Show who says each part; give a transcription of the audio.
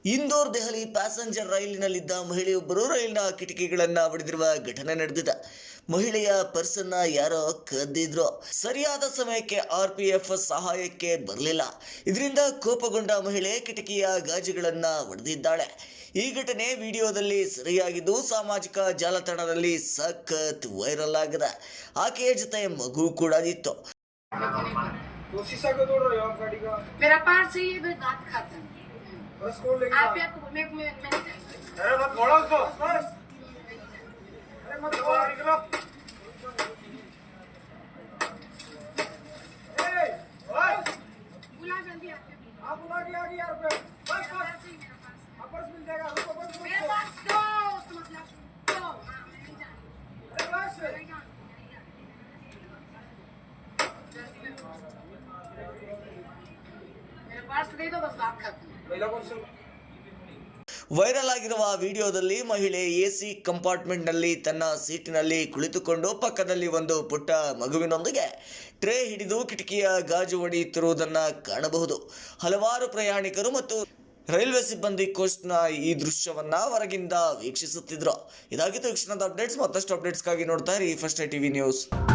Speaker 1: Indore Delhi passenger ರೈಲಿನಲ್ಲಿದ್ದ ಮಹಿಳೆಯೊಬ್ಬರು ರೈಲಿನ ಕಿಟಕಿಗಳನ್ನು ಒಡೆದಿರುವ ಘಟನೆ ನಡೆದಿದೆ. ಮಹಿಳೆಯ ಪರ್ಸನ್ನ ಯಾರೋ ಕದ್ದಿದ್ರು. ಸರಿಯಾದ ಸಮಯಕ್ಕೆ RPF ಸಹಾಯಕ್ಕೆ ಬರಲಿಲ್ಲ. ಇದರಿಂದ ಕೋಪಗೊಂಡ ಮಹಿಳೆ ಕಿಟಕಿಯ ಗಾಜುಗಳನ್ನು ಒಡೆದಿದ್ದಾಳೆ. ಈ ಘಟನೆ ವಿಡಿಯೋದಲ್ಲಿ ಸರಿಯಾಗಿದ್ದು ಸಾಮಾಜಿಕ ಜಾಲತಾಣದಲ್ಲಿ ಸಖತ್ ವೈರಲ್ ಆಗಿದೆ. ಆಕೆಯ ಜೊತೆ ಮಗು ಕೂಡ ಇತ್ತು.
Speaker 2: मेरा पास है ये बात खाता है आप या मैं
Speaker 3: अरे मत बोलो उसको बस अरे मत बोलो निकलो ए ओए
Speaker 2: बुला जल्दी
Speaker 3: आप बुला के आ गई यार पे बस बस पर्स मिल जाएगा रुको बस
Speaker 2: मेरे पास दो मतलब दो हां मैं नहीं जानती
Speaker 3: अरे बस
Speaker 2: मेरे पास दे दो बस बात खत्म
Speaker 3: महिला कौन से
Speaker 1: ವೈರಲ್ ಆಗಿರುವ ವಿಡಿಯೋದಲ್ಲಿ ಮಹಿಳೆ AC ಕಂಪಾರ್ಟ್ಮೆಂಟ್ನಲ್ಲಿ ತನ್ನ ಸೀಟಿನಲ್ಲಿ ಕುಳಿತುಕೊಂಡು ಪಕ್ಕದಲ್ಲಿ ಒಂದು ಪುಟ್ಟ ಮಗುವಿನೊಂದಿಗೆ ಟ್ರೇ ಹಿಡಿದು ಕಿಟಕಿಯ ಗಾಜು ಒಡೆಯುತ್ತಿರುವುದನ್ನು ಕಾಣಬಹುದು. ಹಲವಾರು ಪ್ರಯಾಣಿಕರು ಮತ್ತು ರೈಲ್ವೆ ಸಿಬ್ಬಂದಿ ಕೋಚ್ನ ಈ ದೃಶ್ಯವನ್ನ ಹೊರಗಿಂದ ವೀಕ್ಷಿಸುತ್ತಿದ್ರು. ಇದಾಗಿತ್ತು ಕ್ಷಣದ ಅಪ್ಡೇಟ್ಸ್. ಮತ್ತಷ್ಟು ಅಪ್ಡೇಟ್ಸ್ಗಾಗಿ ನೋಡ್ತಾ ಇರಿ ಫಸ್ಟ್ ಟಿವಿ ನ್ಯೂಸ್.